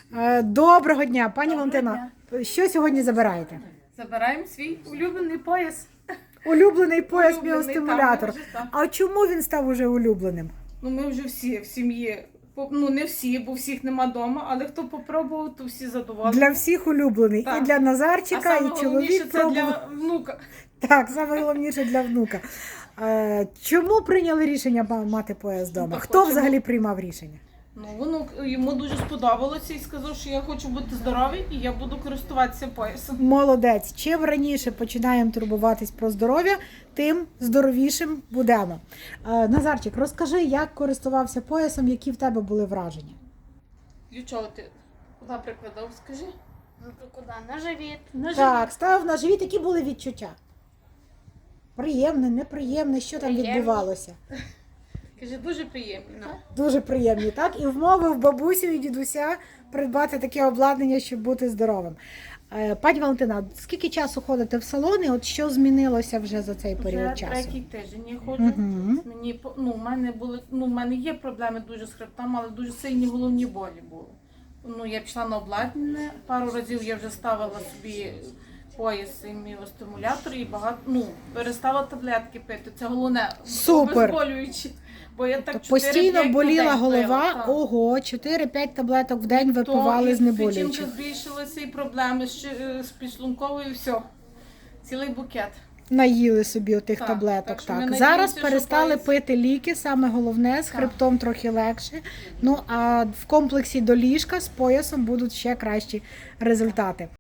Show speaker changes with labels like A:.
A: Доброго дня, пані Валентина. Що сьогодні забираєте?
B: Забираємо свій улюблений пояс.
A: Улюблений пояс
B: Улюблений,
A: міостимулятор.
B: так, вже так.
A: А чому він став уже улюбленим?
B: Ну, ми вже всі в сім'ї, ну не всі, бо всіх нема вдома, але хто попробував, то всі задоволені.
A: Для всіх улюблений.
B: Так.
A: І для
B: А
A: Назарчика,
B: саме
A: і
B: головніше
A: чоловік
B: це
A: пробував.
B: для внука.
A: Так, саме головніше для внука. Чому прийняли рішення мати пояс вдома?
B: Ну,
A: Хто
B: хочемо.
A: взагалі приймав рішення?
B: Ну, внук йому дуже сподобалося і сказав, що я хочу бути здоровий і я буду користуватися поясом.
A: Молодець. Чим раніше починаємо турбуватись про здоров'я, тим здоровішим будемо. Назарчик, розкажи, як користувався поясом, які в тебе були враження?
B: Для чого ти куди прикладав, скажи?
C: Ну то куди? На живіт.
B: На
A: Так, ставив на живіт, які були відчуття? Приємне, неприємне, що там
C: Приємні.
A: відбувалося?
B: Каже, дуже приємно.
C: Ну.
A: Дуже приємні, так? І вмовив бабусю і дідуся придбати таке обладнання, щоб бути здоровим. Пані Валентина, скільки часу ходите в салони? От що змінилося вже за цей період
B: Вже
A: часу?
B: третій тиждень я ходжу.
A: Мгм.
B: Мені в мене є проблеми дуже з хребтом, але дуже сильні головні болі були. Ну, я пішла на обладнання, пару разів я вже ставила собі пояс і міостимулятор і перестала таблетки пити. Це головне,
A: Супер.
B: обезболюючі. Бо я так
A: Тобто
B: 4-5
A: постійно
B: на
A: боліла
B: день
A: голова,
B: пила, так.
A: ого, 4-5 таблеток в день
B: То
A: випивали
B: і
A: знеболюючих.
B: печінка збільшилася, і проблеми з підшлунковою, і все. Цілий букет.
A: Наїли собі отих
B: Так,
A: таблеток.
B: так що
A: Так,
B: ми
A: зараз
B: надіємося, що
A: перестали
B: пояс-
A: пити ліки, саме головне, з
B: Так.
A: хребтом трохи легше. Ну а в комплексі до ліжка з поясом будуть ще кращі результати.